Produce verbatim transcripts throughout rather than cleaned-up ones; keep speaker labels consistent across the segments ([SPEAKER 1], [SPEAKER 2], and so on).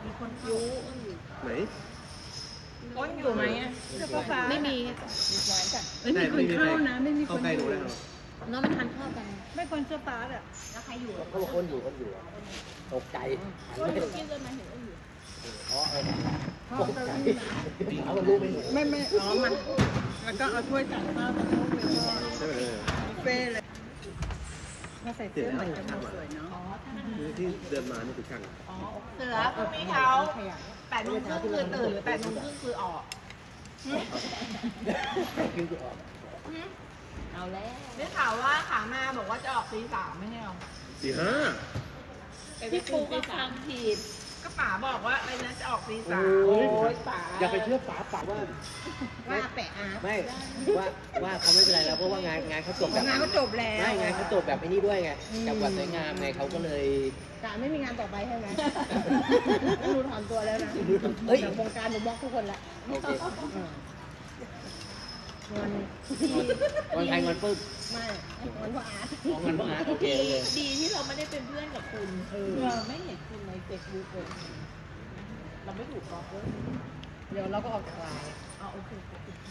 [SPEAKER 1] มีคนยู
[SPEAKER 2] ไหน
[SPEAKER 3] ก้นอยู่ไหมอ่ะ
[SPEAKER 1] ไม่มี
[SPEAKER 3] มีหวานจ้ะ
[SPEAKER 2] ไม่มีคนเข้านะไม่มีคนเข้าใกล้ดูได้หรอ
[SPEAKER 1] น้องมันทานข้าวกัน
[SPEAKER 3] ไม่คนเสื้อฟ้าอ่ะ
[SPEAKER 1] แล้วใครอยู่
[SPEAKER 2] เขาบอกคนอยู่คนอยู่ตกใจหันไปกินเลยมาเห็นคนอยู่อ๋อเออตกใจเอามันรู้ไม่หนู
[SPEAKER 3] ไม่ไม่อ๋อมันแล้วก็เอาถ้วยตักข้าวตักลูกเลยก็
[SPEAKER 2] ใช่ไหม
[SPEAKER 3] บุฟเฟ่ต์เลยมาใส่เสื้อเหมือนกันหมดสวยเนาะ
[SPEAKER 2] ที่เดินมานี่คือช่าง
[SPEAKER 3] เสือพรุ่งนี้เขาแปดโมงครึ่งคือตื่นหรือแปดโมงครึ่งคือออก
[SPEAKER 2] คือออก
[SPEAKER 1] เอาแล้ว
[SPEAKER 3] ได้ข่าวว่าขามาบอกว่าจะออกตีสามไม่ใช่หรอ
[SPEAKER 2] สี่ห้า
[SPEAKER 1] พี่ปูก็ฟังผิด
[SPEAKER 3] ก็ป๋าบอกว่าอะไรนะจะออกตีสาม
[SPEAKER 2] โอ้ยป๋าอย่าไปเชื่อป๋าป๋าว่า
[SPEAKER 1] ว่าแปะอาร์ต
[SPEAKER 2] ไม่ว่าว่าเขาไม่เป็นไรแล้วเพราะว่างานงานเขาจบแบบ
[SPEAKER 3] งานก็จบแล้ว
[SPEAKER 2] ไม่งานเขาจบแบบไอ้นี่ด้วยไงจังหวัดสวยงามไงเขาก็เลย
[SPEAKER 1] การไม่มีงานต่อไปใช่ไหมหนูถอนตัวแล้วนะ
[SPEAKER 2] เฮ้ย
[SPEAKER 1] จากวงการหนูบล็อกทุกคนละ
[SPEAKER 2] โอเค
[SPEAKER 1] งอน
[SPEAKER 2] วันใครงอนปึ๊บ
[SPEAKER 1] ไม่งอนเพราะอาร์ต
[SPEAKER 2] มองกันเพราะอาร์ตโอเคโอเค
[SPEAKER 1] ดีที่เราไม่ได้เป็นเพื่อนกับคุณเออไม่เห็นคุณในเฟซบุ๊กเลยเราไม่ถูกบล็อกเลยเดี๋ยวเราก็ออกจากไลน์อ๋อโอเค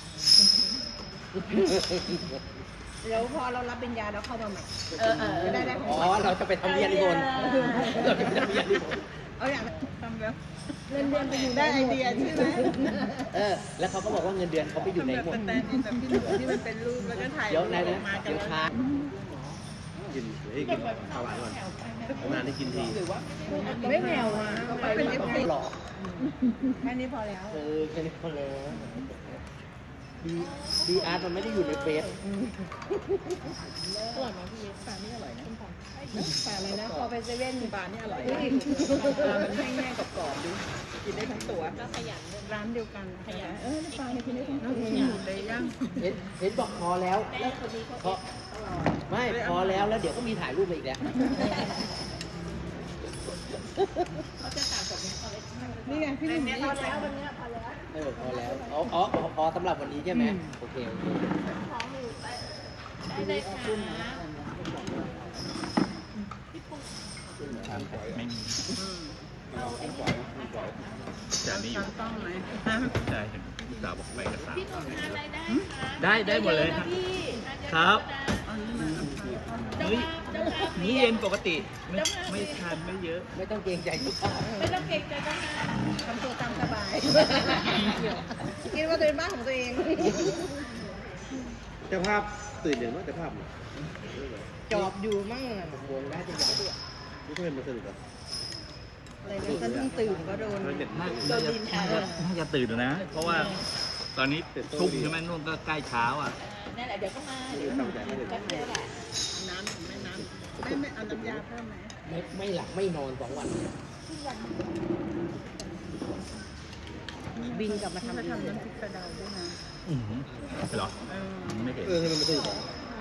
[SPEAKER 1] เดี๋ยวพอเรารับปริญญาเราเข้ามาใหม่เออเออได้ได้
[SPEAKER 2] อ๋อเราจะไปทำเรียนที่บนเราจะไปทำเรียนที่บน
[SPEAKER 3] เอาอย่างทำแล้ว
[SPEAKER 1] เงินเดือนไปอยู่
[SPEAKER 3] ได้ไอเดียใช่ไหม
[SPEAKER 2] เออแล้วเขาก็บอกว่าเงินเดือนเขาไปอยู่ใน
[SPEAKER 3] แบบ
[SPEAKER 2] หม
[SPEAKER 3] ส
[SPEAKER 2] ด
[SPEAKER 3] แตนด์อินแบบที่ที่มันเป็นรูปแล้วก็ถ่าย
[SPEAKER 2] เดี๋ยวไหนนะ
[SPEAKER 3] มากัน
[SPEAKER 2] เดี๋ยว
[SPEAKER 3] แล้ว
[SPEAKER 2] ช้ากินเฮ้ยกินข้าวหวานก่อนนานที่กินที
[SPEAKER 1] ไม่แมวอ่ะ
[SPEAKER 3] เป็นเอฟซี
[SPEAKER 2] หล่อ
[SPEAKER 3] แค่นี้พอแล้ว
[SPEAKER 2] เออแค่นี้พอแล้วดีดีอาร์ตมันไม่ได้อยู่ในเฟซ
[SPEAKER 1] อร่อยไหมพี่ปลานี่อร่อยนะปลาอะไรนะพอไปเซเว่น
[SPEAKER 3] ปลานี่อร่อยนะปลามันแห้งๆกรอบๆดูกินได้ทั้งตัว
[SPEAKER 1] ก็ขยัน
[SPEAKER 3] ร้านเดียวกันขยันเออปลาเนี่ยกินได้ทั้ง
[SPEAKER 1] น้อง
[SPEAKER 3] ตัว
[SPEAKER 1] ขยัน
[SPEAKER 3] เลยย่าง
[SPEAKER 2] เห็นเห็นบอกพอแล้ว
[SPEAKER 1] แล้วคนนี้เขา
[SPEAKER 2] เพราะไม่พอแล้วแล้วเดี๋ยวก็มีถ่ายรูปมาอีกแล้ว
[SPEAKER 1] เขาจะต่างกับนี้เขาเลย
[SPEAKER 3] นี่ไงพี่หนุ่มนี่
[SPEAKER 1] พอแล้ววันนี้พอแล้ว
[SPEAKER 2] เออพอแล้วอ๋ออ๋อพอสำหรับวันนี้ใช่ไหมโอเคโอเค
[SPEAKER 1] ของหนูไปได้เลยค่ะ
[SPEAKER 4] ไม่มี
[SPEAKER 1] เอาไอ้นี่
[SPEAKER 4] แต่นี่อยู่
[SPEAKER 3] ต้องไหม
[SPEAKER 4] ใช่เห็นลูกสาวบอกไปกับสาม
[SPEAKER 1] พี่หนุ่มทานอะไรได้คะ
[SPEAKER 4] ได้ได้หมดเลยครับ
[SPEAKER 1] พี่
[SPEAKER 4] ครับ
[SPEAKER 1] เจ้า
[SPEAKER 4] มื้อ
[SPEAKER 1] ภาพเจ้าภาพ
[SPEAKER 4] มื้อเย็นปกติไม่ไม่ทานไม่เยอะ
[SPEAKER 2] ไม่ต้องเกรงใจลูกค้า
[SPEAKER 1] ไม่ต้องเกรงใจเจ้าภาพ
[SPEAKER 3] ทำตัวตามสบายคิดว่าตัวเป็นบ้านของตัวเอง
[SPEAKER 2] เจ้าภาพตื่นอย่างว่าเจ้าภาพ
[SPEAKER 3] จอบอยู่มั่ง
[SPEAKER 2] วงได้จะย้ายด้วยนี่ก็เป็นมาสนุกอ่ะ
[SPEAKER 3] อะไรนะฉันเพิ่งตื่นก็โดน
[SPEAKER 4] น่าน่าจะน่าจะน่าจะตื่นนะ เพราะว่าตอนนี้ทุ่มใช่ไหมนู่นก็ใกล้เช้าอ่ะ
[SPEAKER 1] นั่นแหละเดี๋ยวก็มาเดี๋ยวแป๊บเดียวแหละ
[SPEAKER 3] น้ำไม่น้ำไม่ไม่เอาน้ำยาเพิ่มไหม
[SPEAKER 2] ไม่ไม่หลับไม่นอนสองวัน
[SPEAKER 3] บินกลับมาทำทำน้ำพริกกระเดาด้วยนะ
[SPEAKER 4] อือหือเหรอไม่เห็น
[SPEAKER 2] เออทำไมมันสนุก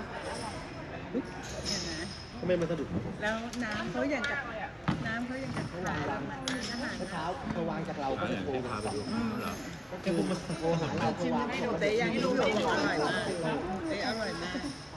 [SPEAKER 3] เนี่ยนะ
[SPEAKER 2] ทำไมมันสนุก
[SPEAKER 3] แล้วน้ำเขาอย่างกับน้ำเขาอย่างกับขายอาหาร
[SPEAKER 2] เมื่อเช้าเขาวางจากเรา
[SPEAKER 4] เอา
[SPEAKER 2] ก็
[SPEAKER 4] อย่าง
[SPEAKER 2] โทร
[SPEAKER 4] ที่
[SPEAKER 2] มา
[SPEAKER 4] พาไปดูเหรอ
[SPEAKER 2] คือโทรหาเราเขา
[SPEAKER 3] ชิม
[SPEAKER 2] วาง
[SPEAKER 3] ให้ดูแต่ยังให้ดูเตอร่อยมากเตออร่อยมาก